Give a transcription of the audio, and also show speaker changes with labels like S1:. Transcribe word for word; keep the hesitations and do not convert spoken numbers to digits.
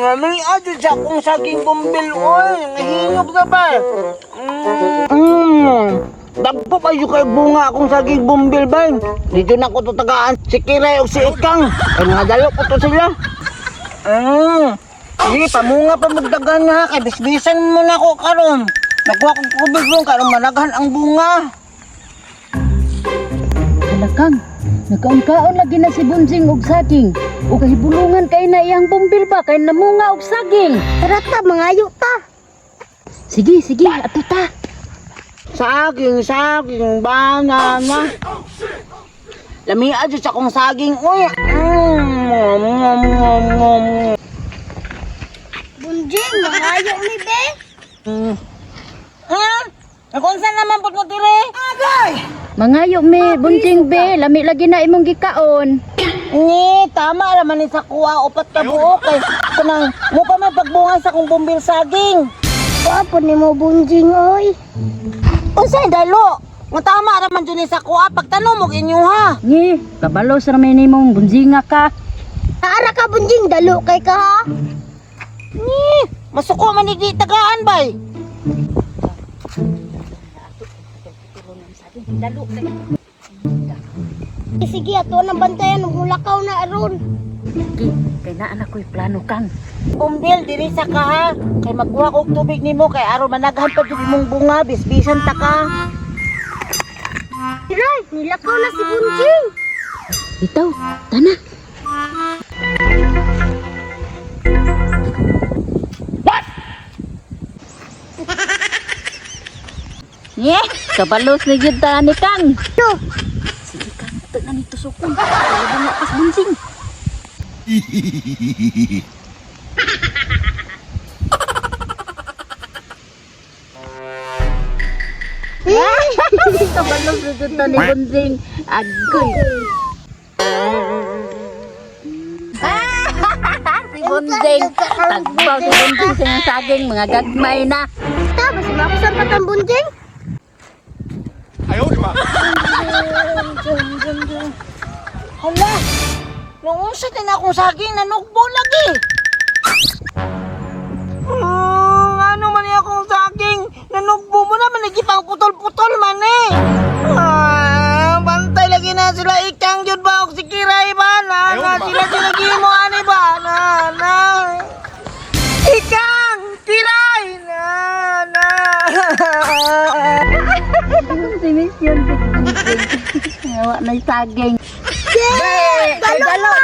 S1: May adyo siya kung saging bumbil, oy. Nahinog na ba? Mm. Mm. Dagpo kayo kay bunga akong saging bumbil ba? Dito na ko tutagaan si Kiray o si Ikang. Ay mga dalo ko to sila. Mm. Sige, pamunga pa magdagan nga. Kay bisbisan mo na ko karon. Nagkuha kong kubig mo karon managhan ang bunga.
S2: Halakang, nakaon-kaon lagi na si Bunjing og saging. O kahibulungan kay na iyang bumbil ba kay namunga og saging.
S3: Tara ta, mangayo ta.
S2: Sige, sige, ato ta.
S1: Saging, saging, banana. Lami adyo sa kong saging, uy. Mm.
S3: Bunjing, mangayo mi be.
S1: Mm. Ha? Kung saan naman po mo tiri? Agay!
S2: Mangayo me, Bunjing be, lami lagi na imong gikaon.
S1: Ni, tama naman ni sa kuha, upat ka buo kay kanang mo pa may pagbungan sa kong bumbil saging.
S3: Wapo ni mo Bunjing oy.
S1: Unsay dalo? Nga tama naman dyan ni sa kuha, pagtanong mo inyo ha.
S2: Ni, kabalos ra may nimong bunjinga ka.
S3: Naara ka Bunjing, dalo kay ka ha.
S1: Ni, masuko man ni di tagaan bay.
S3: Sige, ato nang bantayan ug mulakaw na aron.
S2: Sige, kay naa na ko'y plano kang.
S1: Bumbil diri sa ka ha. Kay magkuha kog tubig nimo kay aron managhan pa jud imong bunga, bisbisan ta ka.
S3: Kiray, nilakaw na si Bunjing.
S2: Bitaw, tana. Nye, kabalos na yun ta ni Kang.
S3: Yo,
S2: Sige Kang, ito na nito sukon. Wala nga pas Bunjing. Kabalos na yun ta ni Bunjing. Agoy. Si Bunjing. Tagpaw si Bunjing sa iyang saging. Mga gagmay na.
S3: ta basi makusan pa tang Bunjing.
S1: Hala. Nung unsa din akong saging nanugbo lagi. Hmm, ano man yung akong saging? Nanugbo mo naman, nagipang putol-putol man eh. Ah, bantay lagi na sila Ikang yun ba? O si Kiray ba? Na, na, sila sila gimo ani ba? Na, na. Ikang! Kiray! Na, na.
S2: Si Miss yun si Bunjing. Ngawa na yung saging.
S1: Be, kay dalo